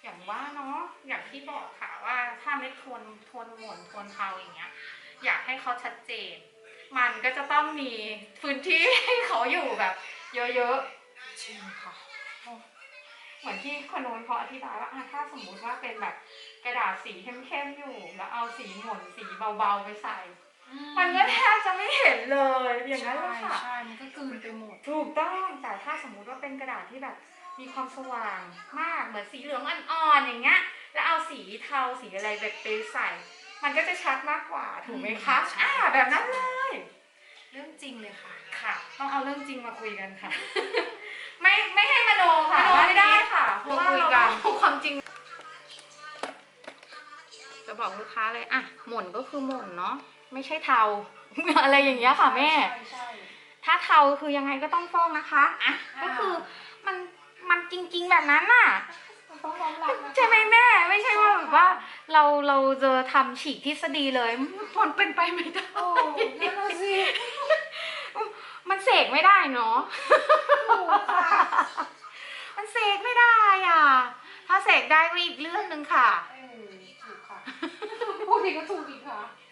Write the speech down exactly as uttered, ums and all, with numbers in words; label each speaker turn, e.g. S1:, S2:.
S1: อย่างว่าเนาะอย่างที่บอกค่ะว่าถ้าไม่ทนทนหม่นทนเทาอย่างเงี้ยอยากให้เขาชัดเจนมันก็จะต้องมีพื้นที่ให้เขาอยู่แบบเยอะๆจริงค่ะเหมือนที่คนโน้นเขาอธิบายว่าถ้าสมมุติว่าเป็นแบบกระดาษสีเข้มๆอยู่แล้วเอาสีหม่นสีเบาๆไปใส่มันก็แทบจะไม่เห็นเลยอย่างนั้นเลยค่ะ
S2: ใช่มันก็กลืนไปหมด
S1: ถูกต้องแต่ถ้าสมมุติว่าเป็นกระดาษที่แบบมีความสว่างมากเหมือนสีเหลืองอ่อนๆอย่างเงี้ยแล้วเอาสีเทาสีอะไรแบบไปใส่มันก็จะชัดมากกว่าถูกไหมคะอ่าแบบนั้นเลย
S2: เรื่องจริงเลยค่ะ
S1: ค่ะต้องเอาเรื่องจริงมาคุยกันค่ะไม่ไม่ให้มโนค่ะ
S2: ไม่ได้ค่ะ
S1: เพราะว่าเราพูดความจริงจะบอกลูกค้าเลยอ่ะหม่นก็คือหม่นเนาะไม่ใช่เทา อะไรอย่างเงี้ยค่ะแม่ถ้าเทาคือยังไงก็ต้องฟอกนะคะอ่ะก็คือมันมันจริงๆแบบนั้นน่ะใช่ไหมแม่ไม่ใช่ว่าแบบว่าเราเราจะทำฉีกทฤษฎีเลยมันเป็นไปไม่ได้
S2: โอ้นั่นน่ะสิ
S1: มันเสกไม่ได้เนาะมันเสกไม่ได้อ่ะถ้าเสกได้ก็อีกเรื่องหนึ่งค่ะ
S2: ถูกค่ะพูดดีก็ถูกอีกค่ะ